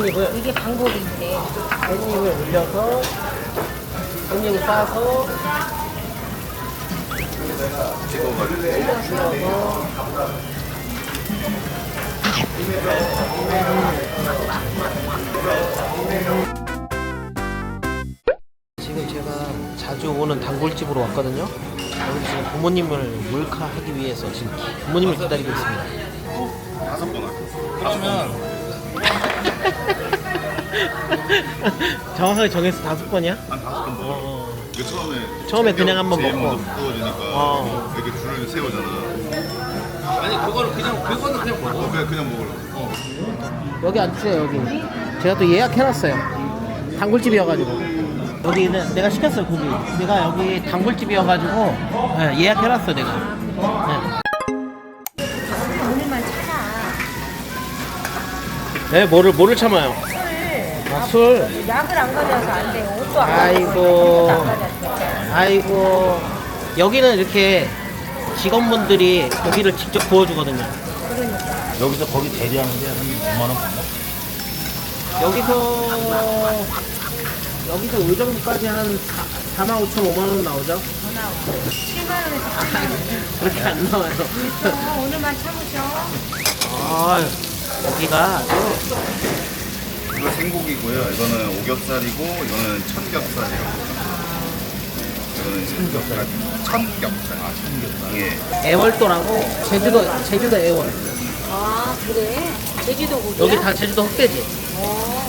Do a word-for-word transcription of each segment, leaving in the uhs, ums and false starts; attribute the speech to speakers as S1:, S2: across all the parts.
S1: 깻잎을
S2: 이게 방법이 있대.
S1: 깻잎을 올려서 깻잎을 싸서
S3: 찍어가지고
S1: 찍어서 지금 제가 자주 오는 단골집으로 왔거든요. 여기 지금 부모님을 몰카하기 위해서 지금 부모님을 기다리고 있습니다.
S3: 다섯 번 할게요. 그러면
S1: 정확하게 정해서 다섯 번이야?
S3: 한 다섯 번 먹어.
S1: 어,
S3: 이게 처음에
S1: 처음에 그냥 한번
S3: 제일
S1: 먹고.
S3: 먼저 구워지니까
S1: 어.
S3: 이렇게 줄을 세우잖아.
S4: 아니 그거를 그냥 그거는 그냥 먹어.
S3: 어, 그냥 그냥 먹으려고.
S1: 여기 앉으세요. 여기 제가 또 예약해놨어요. 단골집이어가지고 여기는 내가 시켰어요. 고기 내가 여기 단골집이어가지고 네, 예약해놨어 내가. 네.
S2: 오늘만 참아.
S1: 네, 뭐를 뭐를 참아요? 아, 술.
S2: 약을 안 가져서 안 돼. 옷도 안
S1: 아이고.
S2: 가져서. 옷도 안 가져서.
S1: 아이고. 여기는 이렇게 직원분들이 고기를 직접 구워주거든요.
S2: 그러니까.
S4: 여기서 거기 대리하는데 한 오만 원 받나?
S1: 여기서 여기서 요 정도까지 한 사만 오천 오만 원 나오죠?
S2: 더 나와. 칠만 원에서 팔만 원.
S1: 그렇게 안 나와요.
S2: 어, 오늘만 참으셔.
S1: 아, 고기가
S3: 이거 생고기고요. 이거는 오겹살이고 이거는 천겹살이라고. 이거는 천겹살. 천겹살. 아, 천겹살. 예.
S1: 애월도라고 제주도 제주도 애월.
S2: 아, 그래? 제주도 고기야?
S1: 여기 다 제주도 흑돼지.
S2: 어.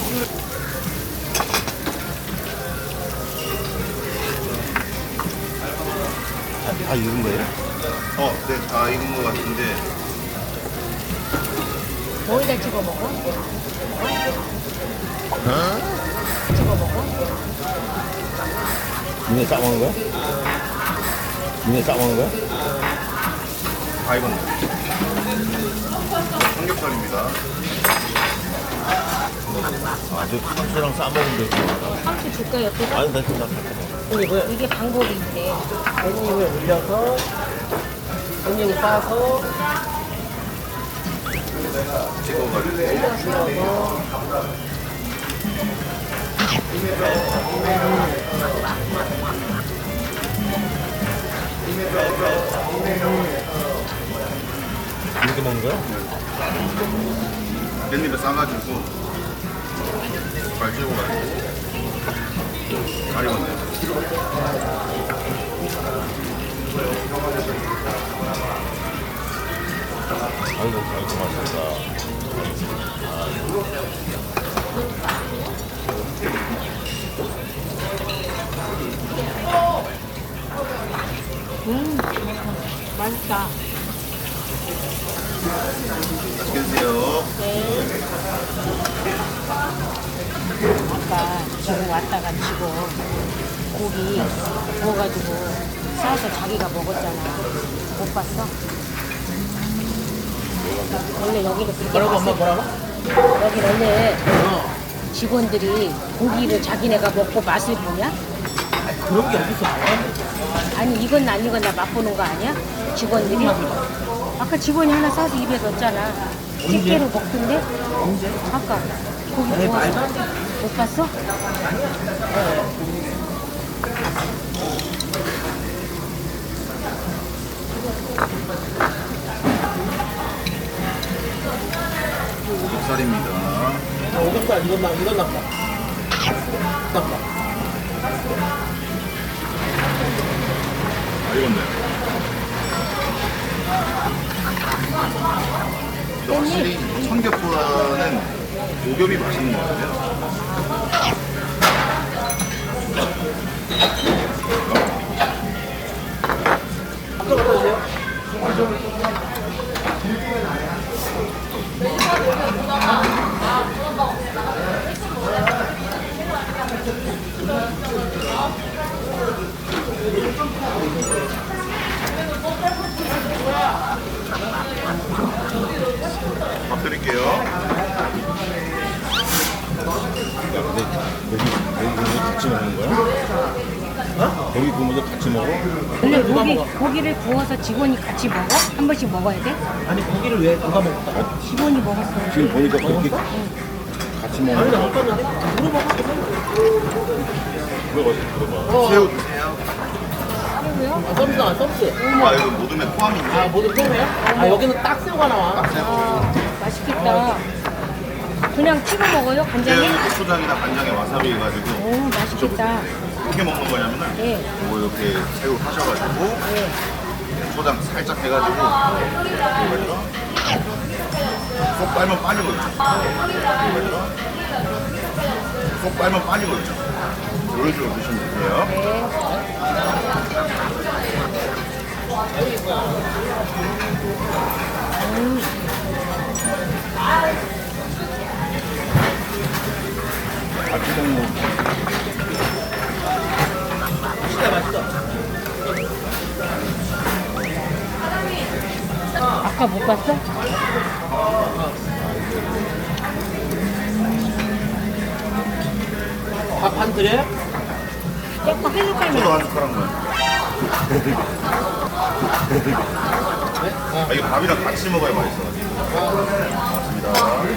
S4: 다 익은 거예요?
S3: 어, 네, 다 익은 것 같은데.
S2: 거기다 찍어 먹어? 찍어 먹어?
S4: 니네 싸 먹는 거야? 니네 싸 먹는 거야?
S3: 다 익었네. 삼겹살입니다.
S4: 아, 저 상추랑 싸 먹으면 되지.
S2: 상추 줄까 옆에서?
S4: 아니, 나 진짜
S1: 깻잎을
S2: 이게 방법이 있대.
S1: 깻잎을 올려서 깻잎을 싸서
S3: 찍어가지고
S1: 찍어서
S4: 이렇게 먹는 거야?
S3: 깻잎에 싸가지고 잘 찍어가지고 잘 익었네요.
S4: 아이고, 아이고, 맛있다.
S2: 음, 맛있다.
S3: 맛있게 드세요.
S2: 아까 지금 왔다가 지금 고기 구워가지고 싸서 자기가 먹었잖아. 못 봤어? 원래 여기는 그렇게
S1: 뭐라고 엄마
S2: 맛을-
S1: 뭐라고?
S2: 여기 원래
S1: 어.
S2: 직원들이 고기를 자기네가 먹고 맛을 보냐?
S1: 그런 게 어딨어?
S2: 아니 이건 아니건 나 맛보는 거 아니야? 직원들이? 아까 직원이 하나 싸서 입에 넣었잖아. 집게로 먹던데?
S1: 언제?
S2: 아까 고기
S1: 에이,
S2: 구워서
S1: 말도 안 돼.
S2: 못 봤어?
S3: 오겹살입니다.
S1: 아, 오겹살 이건 나 이건 나빠. 나빠.
S3: 다 익었네요. 근데 확실히 청겹보다는 오겹이 맛있는 것 같아요.
S1: 또 갖다 주세요.
S3: 밥 드릴게요.
S4: 야, 근데 여기, 여기 구우면 같이 먹는 거야? 어? 여기 구우면 같이 먹어?
S2: 원래
S1: 누가
S2: 고기,
S1: 먹어?
S2: 고기를 구워서 직원이 같이 먹어? 한 번씩 먹어야 돼?
S1: 아니 고기를 왜 누가 먹었다?
S2: 직원이 먹었어.
S4: 지금 보니까 그렇게 같이 같이
S1: 아니
S4: 먹는
S1: 나
S4: 거.
S1: 못 봤는데 물어봐.
S4: 물어봐, 물어봐.
S1: 어.
S3: 새우 드세요.
S2: 새우요?
S1: 아, 서비스다 서비스.
S3: 아 이거 모둠에 포함인데.
S1: 아 모두 포함해요? 아 여기는 딱 새우가 나와.
S2: 아, 맛있겠다. 그냥 찍어 먹어요? 간장에?
S3: 새우 고추장이나 간장에 와사비 해가지고
S2: 오, 맛있겠다.
S3: 어떻게 먹는 거냐면은
S2: 네.
S3: 이거 이렇게 새우 하셔가지고
S2: 네.
S3: 초장 살짝 해가지고 이거 쏙 빨면 빨리 걸죠. 이거 쏙 빨면 빨리 걸죠. 이런 식으로 드시면 되세요.
S2: 네. 음.
S4: 같이 먹는 거.
S1: 진짜 맛있어.
S2: 아까 못 봤어?
S1: 밥 한 드려요?
S2: 조금 한
S3: 저도
S2: 숟갈만.
S3: 한 숟가락만. 아, 이거 밥이랑 같이 먹어야 맛있어가지고. 맞습니다.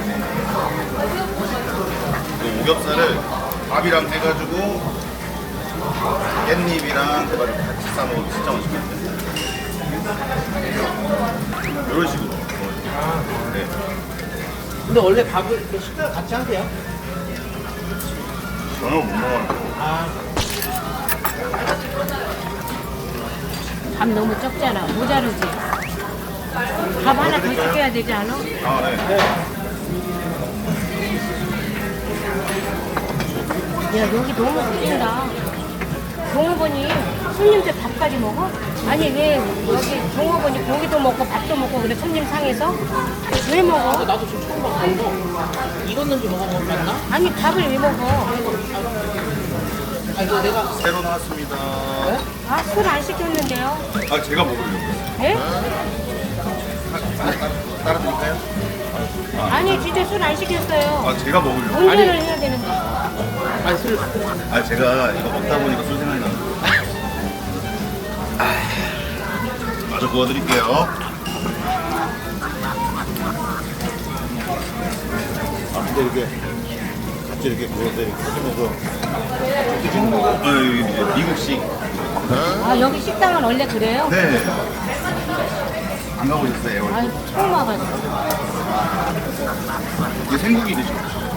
S3: 이 오겹살을 밥이랑 해가지고 깻잎이랑 해가지고 같이 싸먹으면 진짜 맛있거든요. 이런 식으로. 네.
S1: 근데 원래 밥을 이렇게 식사를 같이 하세요?
S3: 저는 못 먹어요.
S1: 아
S2: 밥 너무 적잖아. 모자르지? 밥 하나 더 시켜야 되지 않아?
S3: 아, 네.
S2: 야, 여기 너무 웃긴다. 종업원이 손님들 밥까지 먹어? 아니, 왜 여기 종업원이 고기도 먹고 밥도 먹고 그래, 손님 상에서? 왜
S1: 근데
S2: 먹어?
S1: 나도 지금 처음 봤어. 이거 익었는지 먹어봤나?
S2: 아니, 밥을 왜 먹어?
S1: 아 이거 내가
S3: 새로 나왔습니다.
S2: 아, 술 안 시켰는데요?
S3: 아, 제가 먹으려고요.
S2: 예?
S3: 따라 드릴까요?
S2: 아니, 진짜 술 안 시켰어요.
S3: 아, 제가 먹으려고.
S2: 운전을
S1: 아니.
S2: 해야 되는데.
S1: 아니 술
S3: 아, 제가 이거 먹다 보니까 술 생각나는 아, 마저 구워드릴게요.
S4: 아, 근데 이렇게 같이 이렇게 구워서 이렇게 해주면서
S3: 어, 여기 이제 미국식.
S2: 아, 여기 식당은 원래 그래요?
S3: 네. 안 가보셨어요?
S2: 아, 처음 와가지고.
S3: 이게 생고기 드시고.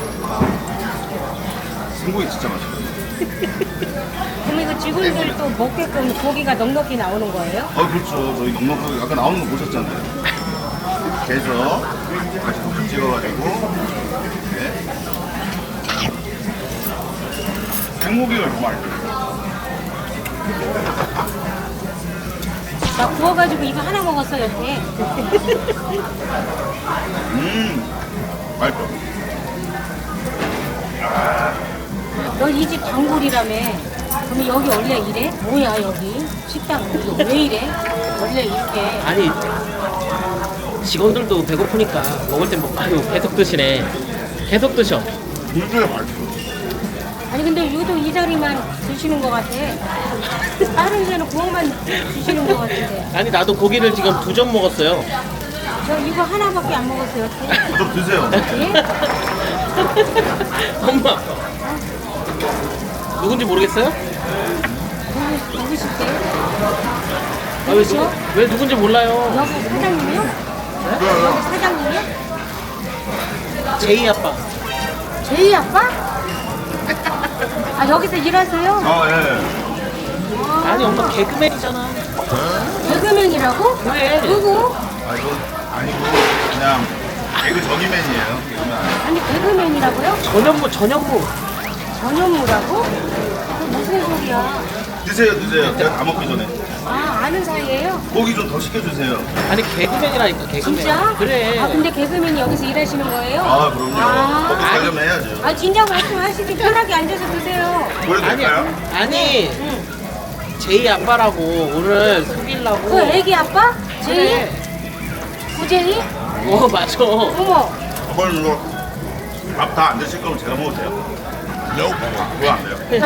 S3: 생고기 진짜 맛있어요.
S2: 그럼 이거 직원들 또 먹게끔 고기가 넉넉히 나오는 거예요?
S3: 아, 그렇죠. 저희 넉넉하게 아까 나오는 거 보셨잖아요. 이렇게 해서 같이 푹 찍어가지고. 네. 생고기가 정말
S2: 나 구워가지고 이거 하나 먹었어, 여태.
S3: 음 맛있어.
S2: 너 이 집 단골이라며. 그럼 여기 원래 이래? 뭐야, 여기? 식당 여기 왜 이래? 원래 이렇게.
S1: 아니 직원들도 배고프니까 먹을 땐 먹고 아유 계속 드시네. 계속 드셔.
S3: 진짜 맛있어.
S2: 아니, 근데 유독 이 자리만 드시는 것 같아. 다른 데는 구워만 드시는 것 같은데.
S1: 아니 나도 고기를 지금 두 점 먹었어요.
S2: 저 이거 하나밖에 안 먹었어요, 여태.
S3: 좀 드세요.
S2: 예?
S1: 엄마 누군지 모르겠어요?
S2: 누구, 누구실게요?
S1: 아, 왜, 누구, 왜 누군지 몰라요.
S2: 여기 사장님이요? 여기 사장님이요?
S1: 제이 아빠.
S2: 제이 아빠? 아, 여기서 일하세요?
S3: 아, 예.
S1: 아니 엄마 개그맨이잖아.
S2: 개그맨이라고?
S1: 그래.
S2: 누구?
S3: 아, 이거 아니고 그냥 개그 저기맨이에요. 개그맨 아니에요.
S2: 아니, 개그맨이라고요?
S1: 전현무 전현무.
S2: 전현무라고? 그 무슨 소리야?
S3: 드세요, 드세요. 제가 다 먹기 전에.
S2: 아, 아는 사이예요?
S3: 고기 좀 더 시켜주세요.
S1: 아니 개그맨이라니까 개그맨.
S2: 진짜?
S1: 그래.
S2: 아, 근데 개그맨이 여기서 일하시는 거예요?
S3: 아, 그럼요.
S2: 아.
S3: 먹기 살려면 해야죠.
S2: 아, 진작 말씀하시지. 편하게 앉아서 드세요.
S3: 보여도
S1: 아니
S3: 될까요?
S1: 아니
S2: 응.
S1: 제이 아빠라고 오늘 속이려고.
S2: 그 애기 아빠? 제이?
S1: 그래.
S2: 구제이?
S1: 어 맞아.
S2: 어머.
S3: 한번 이거 밥 다 안 드실 거면 제가 먹어도 돼요. 그거 안 돼요.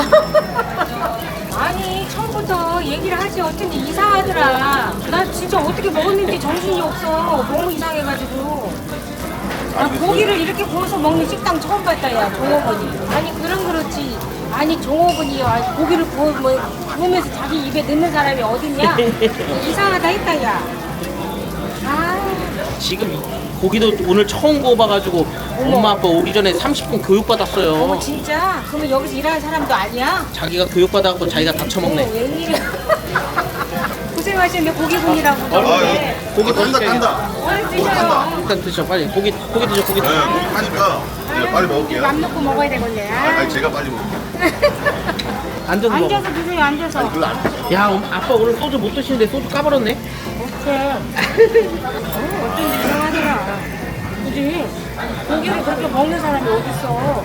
S2: 아니, 처음부터 얘기를 하지. 어쩐지 이상하더라. 나 진짜 어떻게 먹었는지 정신이 없어. 너무 이상해가지고. 아, 고기를 이렇게 구워서 먹는 식당 처음 봤다, 야, 종업원이. 아니, 그럼 그렇지. 아니, 종업원이 야, 고기를 구워, 뭐, 구우면서 자기 입에 넣는 사람이 어딨냐? 이상하다 했다, 야. 아,
S1: 지금 고기도 오늘 처음 구워봐가지고 엄마 아빠 오기 전에 삼십 분 교육받았어요.
S2: 어머, 진짜? 그러면 여기서 일하는 사람도 아니야?
S1: 자기가 교육받아갖고 자기가 다
S2: 어머,
S1: 처먹네.
S2: 웬일이야. 고생하셨네, 고기군이라고.
S3: 아,
S2: 그러는데.
S3: 이거 고기 깐다 깐다.
S2: 얼른 드셔요.
S1: 일단 드셔 빨리. 고기 고기 드셔 고기
S3: 네,
S1: 드셔.
S3: 고기 하니까 제가 빨리 먹을게요.
S2: 맘 놓고 먹어야 되겠네.
S3: 아, 아니 제가 빨리 먹을게요.
S1: 앉아서 먹어.
S2: 앉아서 드세요, 앉아서.
S3: 그걸 안 돼.
S1: 야 엄- 아빠 오늘 소주 못 드시는데 소주 까버렸네.
S2: 어째? 어쩐지 이상하더라. 그지? 고기를 그렇게 먹는 사람이 어딨어?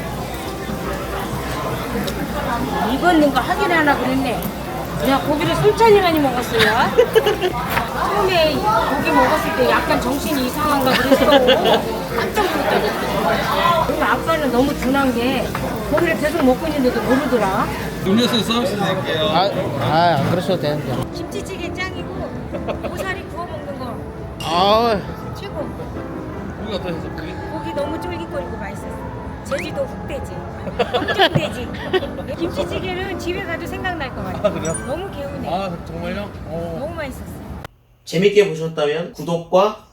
S2: 익었는 거 확인하나 그랬네. 야, 고기를 천천히 많이 먹었어요. 처음에 고기 먹었을 때 약간 정신이 이상한가 그랬어. 깜짝 놀랐다니까. 그리고 아빠는 너무 둔한 게 고기를 계속 먹고 있는데도 모르더라.
S1: 음료수 서비스 드릴게요. 아, 아, 안 그러셔도 되는데.
S2: 김치찌개 짱이고 고사리 구워 먹는 거
S1: 아,
S2: 최고.
S1: 고기 어떠셨어? 고기?
S2: 고기 너무 쫄깃거리고 맛있었어. 제주도 흑돼지, 검정돼지. 김치찌개는 집에 가도 생각날 것 같아.
S1: 아, 그래요?
S2: 너무 개운해.
S1: 아, 정말요? 어.
S2: 너무 맛있었어.
S1: 재밌게 보셨다면 구독과